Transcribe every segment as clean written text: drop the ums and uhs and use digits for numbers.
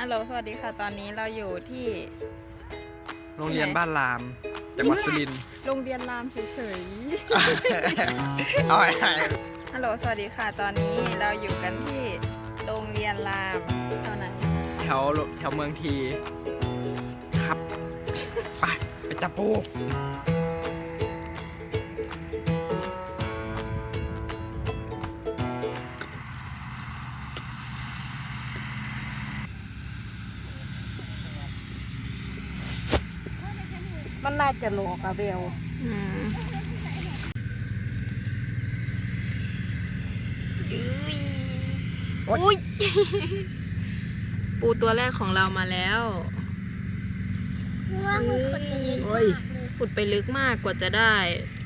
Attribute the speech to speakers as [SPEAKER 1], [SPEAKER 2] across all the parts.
[SPEAKER 1] ฮัลโหลสวัสดีค่ะตอนนี้เราอยู่ที่
[SPEAKER 2] โรงเรียนบ้านรามจังหวัดสุรินทร์
[SPEAKER 1] โรงเรียนรามเฉย
[SPEAKER 2] เอาไอ้
[SPEAKER 1] ๆฮัลโหลสวัสดีค่ะตอนนี้เราอยู่กันที่โรงเรียนรามเท่าไหน
[SPEAKER 2] แถวเมืองทีครับไปจับปู
[SPEAKER 3] มันน่าจะหลอกอะเบล
[SPEAKER 1] อุ้ยปูตัวแรกของเรามาแล้วขุดไปลึกมากกว่าจะได้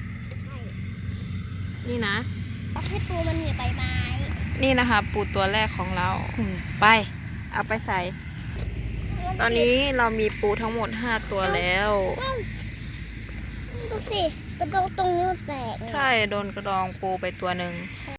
[SPEAKER 1] นี่นะ
[SPEAKER 4] ต้องให้ปูมันหนีใบไม้
[SPEAKER 1] นี่นะคะปูตัวแรกของเราไปเอาไปใส่ตอนนี้เรามีปูทั้งหมด5ตัวแล้ว
[SPEAKER 4] ดูสิกระดองตรงนี้แตก
[SPEAKER 1] ใช่โดนกระดองปูไปตัวหนึ่ง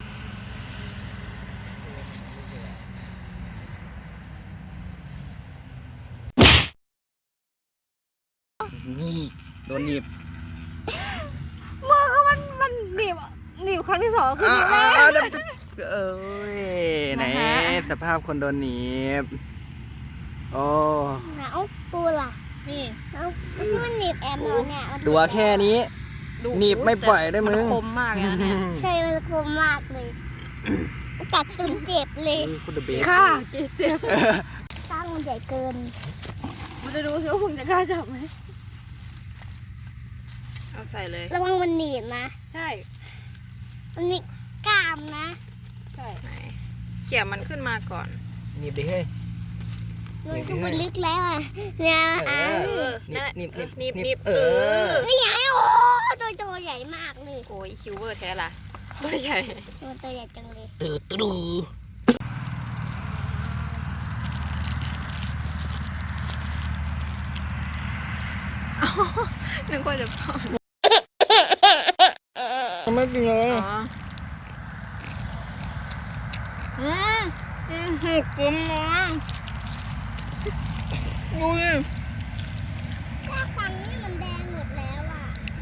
[SPEAKER 2] นี่โดนหนีบ
[SPEAKER 3] มือก็มันหนีบครั้งที่สองคือหนีบแล้ว
[SPEAKER 2] เอ้ยไหนสภาพคนโดนหนีบโอ้
[SPEAKER 4] เอาปูล่ะ
[SPEAKER 1] นี่
[SPEAKER 4] เอามันหนีบแอมเราเนี่ย
[SPEAKER 2] ตัวแค่นี้หนีบไม่ปล่อยได้มึง
[SPEAKER 1] คมมากนะเนี่ย
[SPEAKER 4] ใช่มันคมมากเลยกัดจนเจ็บเลย
[SPEAKER 2] คุณเบส
[SPEAKER 1] ค่ะเจ็บ
[SPEAKER 4] ตั้งมันใหญ่เกิน
[SPEAKER 3] มันจะดูสิว่าพึ่งจะกล้าจับไหม
[SPEAKER 1] เอาใส่เลย
[SPEAKER 4] ระวังมันหนีบนะ
[SPEAKER 1] ใช่
[SPEAKER 4] มันมีกล้ามนะ
[SPEAKER 1] ใช่ไหนเขี่ยมันขึ้นมาก่อน
[SPEAKER 2] หนีบดิเฮ้ย
[SPEAKER 4] มันก็มันลึกแล้วอ่ะเนี่ย
[SPEAKER 1] นิบ
[SPEAKER 4] ใหญ่โอ้ตัวใหญ่มากเลย
[SPEAKER 1] โอ้ยคิวเวอร์แท้ล่ะตัวใหญ่
[SPEAKER 4] ตัวใหญ่จังเลย
[SPEAKER 2] ตู
[SPEAKER 1] นึกว่าจะพอ
[SPEAKER 2] ไม่จริงเลย
[SPEAKER 1] หุบกลมน้อยดูดิ
[SPEAKER 4] ว่าฟันนี่มันแดงหมดแล้วอ่ะ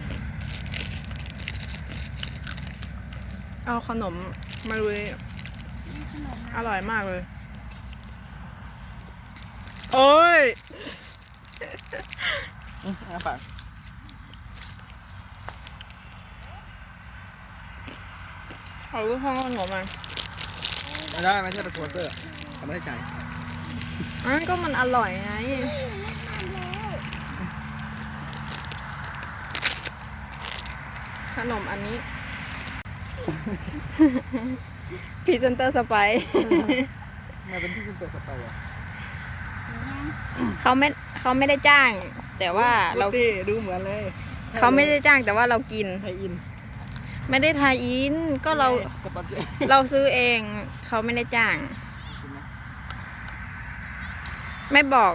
[SPEAKER 1] เอาขนมมาดูดิอร่อยมากเลยโอ้ย
[SPEAKER 2] ปาก
[SPEAKER 1] เอาลูกข้างขนมมัน
[SPEAKER 2] ไม่ได้ไม่ใช่ตะกัวเตอร์ทำไม่ได้ใจ
[SPEAKER 1] อันนั้นก็มันอร่อยไงขนมอันนี้พรีเซนเตอร์สไป
[SPEAKER 2] มาเป็นพรีเซนเตอร์สไปอ่ะ
[SPEAKER 1] เขาไม่ได้จ้างแต่ว่าเรา
[SPEAKER 2] ดูเหมือนเลย
[SPEAKER 1] เขาไม่ได้จ้างแต่ว่าเรากิน
[SPEAKER 2] ไทยอิน
[SPEAKER 1] ไม่ได้ทายอินก็เราซื้อเองเขาไม่ได้จ้างไม่บอก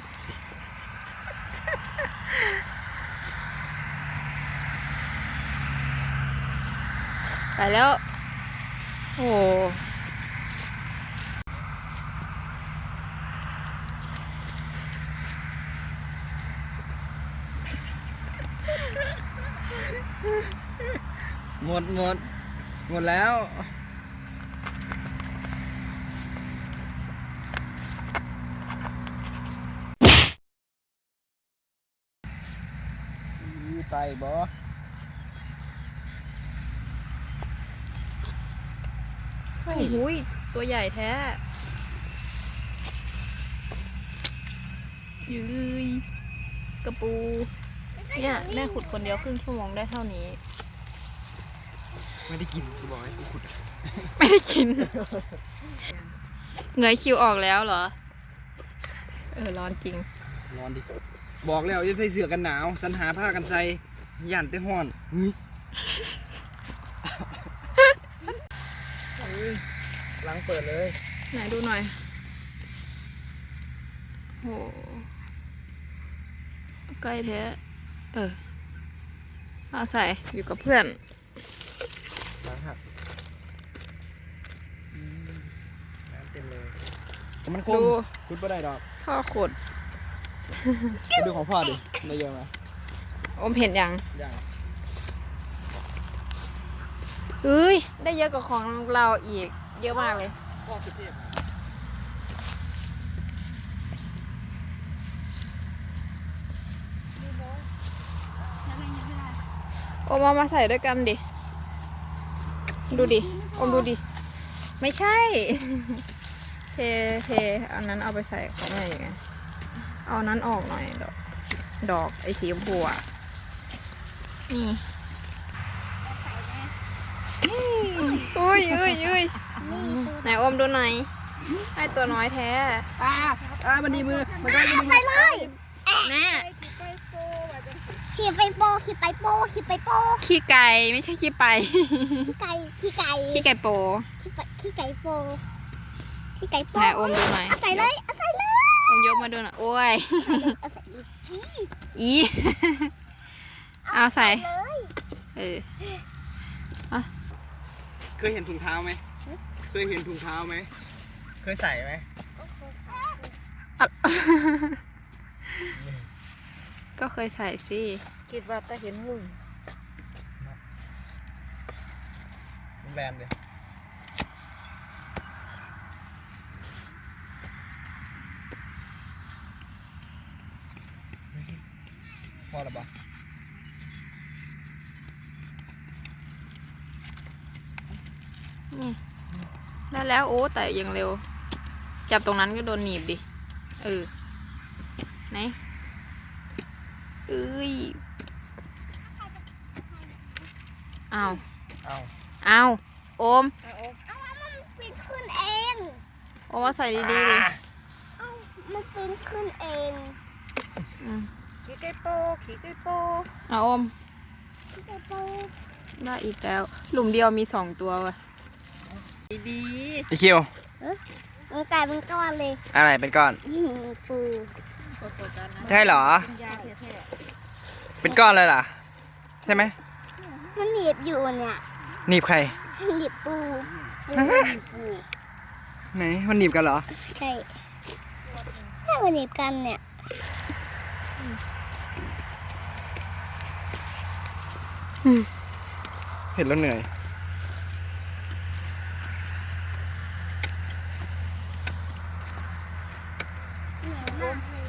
[SPEAKER 1] ไปแล้วโอ้
[SPEAKER 2] หมดแล้วไตบ่
[SPEAKER 1] โอ้โหตัวใหญ่แท้ยืยกระปูเนี่ยแม่ขุดคนเดียวครึ่งชั่วโมงได้เท่านี้
[SPEAKER 2] ไม่ได้กินกูบอกให้กูขุด
[SPEAKER 1] ไม่ได้กินเงยคิวออกแล้วเหรอร้อนจริง
[SPEAKER 2] ร้อนดิบอกแล้วจะใส่เสื้อกันหนาวสัญหาผ้ากันใส่ย่านเต้ห้อนล้างเปิดเลย
[SPEAKER 1] ไหนดูหน่อยโอ้ใกล้แท้เอาใส่อยู่กับเพื่อน
[SPEAKER 2] ล้างหักน้ำเต็มเลยมันคมคุดไม่ได้ดอก
[SPEAKER 1] พ่อขุด
[SPEAKER 2] ไปดูของพ่อดิได้เยอะไหม
[SPEAKER 1] อมเห็นยัง
[SPEAKER 2] ยัง
[SPEAKER 1] เฮ้ย ได้เยอะกว่าของเราอีก เยอะมากเลย
[SPEAKER 2] พ่อสุเทพ
[SPEAKER 1] อมเอามาใส่ด้วยกันดิ ดูดิ อมดูดิ ไม่ใช่ เทอันนั้นเอาไปใส่ของแม่ยังไงเอานั้นออกหน่อย ดอกไอ้สีชมพูอ่ะ นี่อุ้ยไหนอมดูหน่อยให้ตัวน้อยแท้
[SPEAKER 2] มันดีมือมันได้ดีมือ
[SPEAKER 4] ไปเลย
[SPEAKER 1] แน่
[SPEAKER 4] ขี่ไปโปขี่ไปโปขี่ไปโป
[SPEAKER 1] ขี้ไก่ไม่ใช่ขี้ไป
[SPEAKER 4] ขี่ไก่ขี่ไก่
[SPEAKER 1] ขี้ไก่โป
[SPEAKER 4] ขี่ไก่โปขี่ไก่โป
[SPEAKER 1] ไหนอมดูหน่อย
[SPEAKER 4] เอาใส่เลยเอาใส่เลย
[SPEAKER 1] อมยกมาดูหน่อยโอ้ย
[SPEAKER 4] เอาใส่เลย
[SPEAKER 1] อี เอาใส่
[SPEAKER 4] เลย
[SPEAKER 1] เออ
[SPEAKER 2] เคยเห็นถุงเท้าไหมเคยเห็นถุงเท้าไหมเคยใส่ไหม
[SPEAKER 1] ก็เคยใส่สิ
[SPEAKER 3] คิดว่าจะเห็นหุ่น
[SPEAKER 2] แบนเลยพอหรือเปล่า
[SPEAKER 1] นี่ได้แล้วโอ้แต่ยังเร็ว จับตรงนั้นก็โดนหนีบดิ เออ ไหนเอ้ยเอา
[SPEAKER 2] เอา
[SPEAKER 1] เอาโอม
[SPEAKER 4] เอาว่ามันปีนขึ้นเอง
[SPEAKER 1] โอมมาใส่ดีๆดิ
[SPEAKER 4] เอามันปีนขึ้นเอง
[SPEAKER 1] อืม
[SPEAKER 3] ขี่ไก่โปขี่ไก่โป
[SPEAKER 1] เอาโอม
[SPEAKER 4] ขี่ไก่โป
[SPEAKER 1] ได้อีกแล้ว หลุมเดียวมี2 ตัวว่ะดี
[SPEAKER 2] ไอคิว
[SPEAKER 4] มันกลายเป็นก้อนเลย
[SPEAKER 2] อะไรเป็นก้อน
[SPEAKER 4] ปู
[SPEAKER 1] ๆ
[SPEAKER 2] ใช่เหรอ
[SPEAKER 3] เป็นยาแท้
[SPEAKER 2] เป็นก้อนเลยเหรอใช่ไหม
[SPEAKER 4] มันหนีบอยู่เนี่ย
[SPEAKER 2] หนีบใคร
[SPEAKER 4] หนีบปูปู
[SPEAKER 2] ไหนมันหนีบกันเหรอ
[SPEAKER 4] ใช่ถ้ามันหนีบกันเนี่ย
[SPEAKER 2] เห็นแล้วเหนื่อย
[SPEAKER 4] เหนียวมากเลย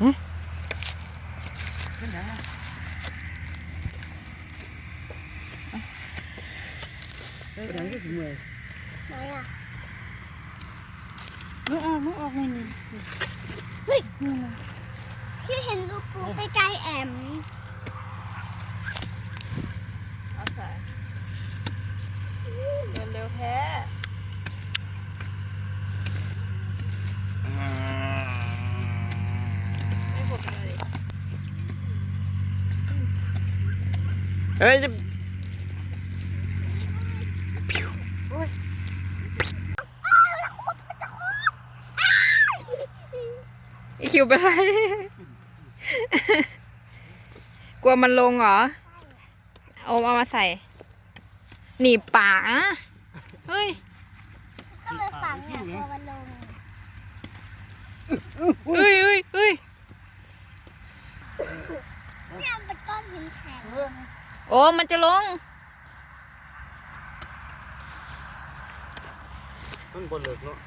[SPEAKER 2] ไปไหนก็ถึงเลย
[SPEAKER 4] ไหนอ่ะ
[SPEAKER 3] ๆไม่ออกเลยนี่
[SPEAKER 4] พี่เห็นรูปปูใกล้ๆแอม
[SPEAKER 1] เอาใส่เร็วๆแท้ ไม่หมดเลย
[SPEAKER 2] เฮ้ยจะ
[SPEAKER 1] ไอคิวเป็นไร กลัวมันลงเหรอ โอมเอามาใส่ หนีบปากนะเฮ้ย
[SPEAKER 4] ก็เลยฝังเนี่ยพอมันลง
[SPEAKER 1] เฮ้ยเนี่ย
[SPEAKER 4] เป็นก้อนหินแข็ง
[SPEAKER 1] โอ้มันจะลง
[SPEAKER 2] ต้นบนเลิกแล้ว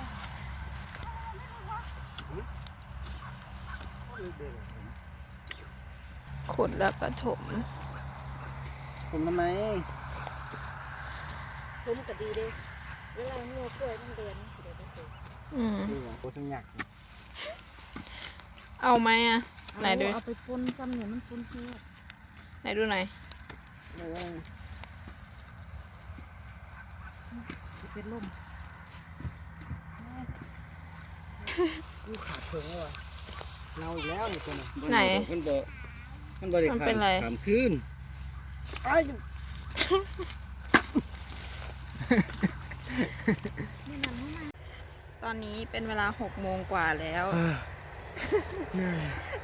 [SPEAKER 1] ขุดแล้วก็ถม
[SPEAKER 2] ผมทำไม
[SPEAKER 3] ทุ่มก็ดีเด้เวลาเนื้อกล้วยมันเดือนเดี๋ยวจะสุก
[SPEAKER 2] ดูโอ้ทั้งหยัก
[SPEAKER 1] เอาไหมอ่ะ ไหนดู
[SPEAKER 3] เอาไปปุ้นซ้ำเนี่ยมันปุ้นเนื้อ
[SPEAKER 1] ไหนดูหน่อย
[SPEAKER 3] เป็นลม
[SPEAKER 2] กูขาดเพิงแล้ววะเน่าอีกแล้วนี่ตัวนี้
[SPEAKER 1] ไหน
[SPEAKER 2] มันเบอมันบริ
[SPEAKER 1] มันเป็นไร
[SPEAKER 2] ขามขึ้นไอ้
[SPEAKER 1] ตอนนี้เป็นเวลา6 โมงกว่าแล้ว
[SPEAKER 2] เหนื่อย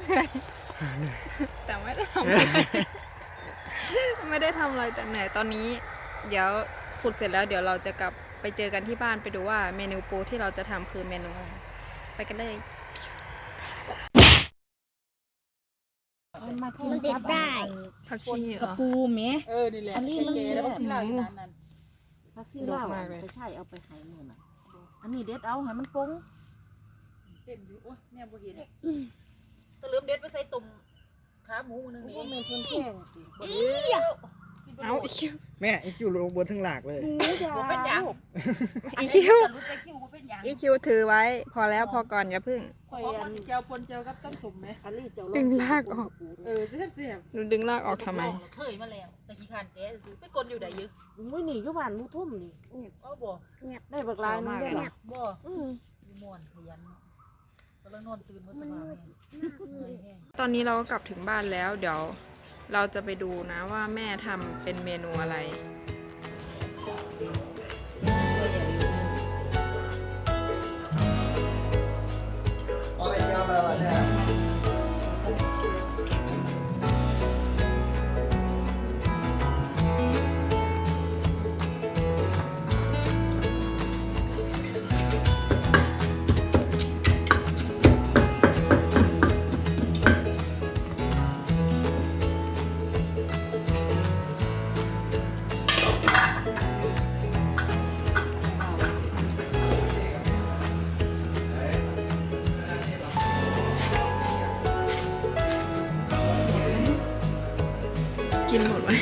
[SPEAKER 1] แต่ไม่ได้ทำอะไรไม่ได้ทำอะไรแต่เหนื่อยตอนนี้ เดี๋ยวขุดเสร็จแล้วเดี๋ยวเราจะกลับไปเจอกันที่บ้านไปดูว่าเมนูปูที่เราจะทำคือเมนูอะไร ไปกันเลย
[SPEAKER 4] มันเด็ดได้
[SPEAKER 1] ผักชีเหร
[SPEAKER 3] กระ
[SPEAKER 1] อ
[SPEAKER 3] ปูแม่
[SPEAKER 5] นี่แหละชีเกแล้วก็ซีลาวอยู่นั้น
[SPEAKER 3] ผักซีลาวไปใช่เอาไปให้มื้อน่ะอันนี้เด็ดเอาให้มันปง
[SPEAKER 5] เต็มอยู่โอ้ยเนี่ยบ่เห็นตะลืมเด็ดไปใส่ตุ่มขาหมูนึง
[SPEAKER 3] บ่
[SPEAKER 5] นี่
[SPEAKER 3] แม่นคนแข้งสิ
[SPEAKER 1] เอาอีคิว
[SPEAKER 2] แม่ไอคิวลงบนทั้งหลากเลย
[SPEAKER 3] หมูจ้า
[SPEAKER 5] บ่เป็นหยัง
[SPEAKER 1] อีคิว
[SPEAKER 5] รู้ใจคิวบ่เป็นหยัง
[SPEAKER 1] อีคิวถือไว้ พอแล้วพอก่อนอย่าพึ่ง
[SPEAKER 3] ข่อย
[SPEAKER 5] เพราะ
[SPEAKER 3] อั
[SPEAKER 5] ว่าน สิเจียวปนเจียวกับต้มสมไหม
[SPEAKER 3] อันนี้เจ้า
[SPEAKER 1] ดึงลากออก
[SPEAKER 5] เสียบ
[SPEAKER 1] หนูดึงลากออกทำไม
[SPEAKER 5] เคยมาแล้วแต่ขี้คานแกซื้อไปกดอยู่ได้ยึ
[SPEAKER 3] อุ้ยนี่อยู่บ้านหมูทุ่มนี่
[SPEAKER 5] เอาบ่
[SPEAKER 3] ได้บักลายนึงได้หรอ
[SPEAKER 5] บ่
[SPEAKER 3] อือ
[SPEAKER 5] อยู่ม่วนขยันก็เลยนอนตื่นมาสบาย
[SPEAKER 1] ตอนนี้เราก็กลับถึงบ้านแล้ว เดี๋ยวเราจะไปดูนะว่าแม่ทำเป็นเมนูอะไร
[SPEAKER 2] อะไรยาวแบบนี้
[SPEAKER 1] กินหมดไหม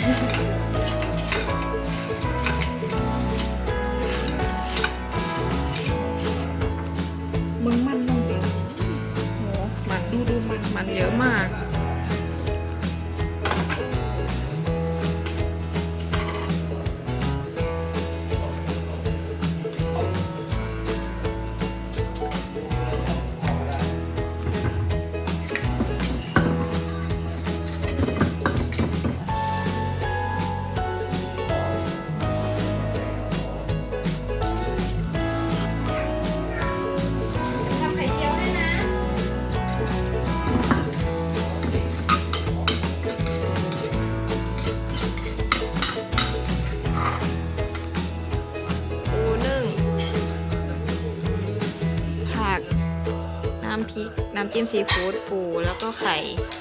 [SPEAKER 1] มึงมันน้องเดียวโหมันดูมันเยอะมาก ทำไข่เจียวให้นะ ปูนึ่ง ผัก น้ำพริก น้ำจิ้มซีฟู้ดปูแล้วก็ไข่